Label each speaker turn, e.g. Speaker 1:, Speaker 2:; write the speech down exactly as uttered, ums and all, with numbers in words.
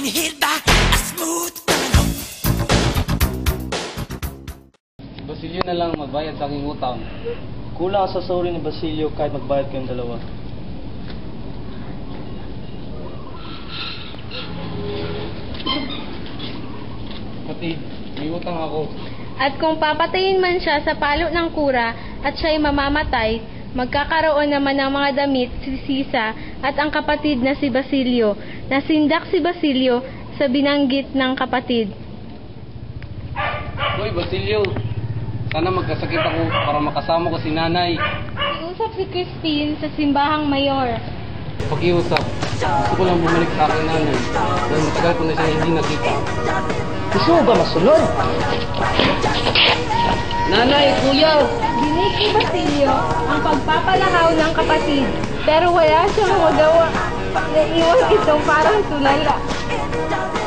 Speaker 1: hit by a smooth criminal.
Speaker 2: Basilio na lang magbayad sa aking utang.
Speaker 3: Kulang sa sorry ni Basilio kahit magbayad kayong dalawa.
Speaker 2: Kapatid, may utang ako.
Speaker 4: At kung papatayin man siya sa palo ng kura at siya'y mamamatay, magkakaroon naman ng mga damit si Sisa at ang kapatid na si Basilio. Nasindak si Basilio sa binanggit ng kapatid.
Speaker 2: Hoy, Basilio, sana magkasakit ako para makasama ko si nanay.
Speaker 4: Iusap si Christine sa simbahang mayor.
Speaker 2: Pakiusap, gusto ko lang bumalik sa akin nanay dahil matagal ko na siya hindi nakita.
Speaker 3: Gusto mo ba masunod?
Speaker 2: Nanay, kuya!
Speaker 4: Dinig ni Basilio ang pagpapalakaw ng kapatid, pero wala siyang magawa. Naiwan itong parang tulala.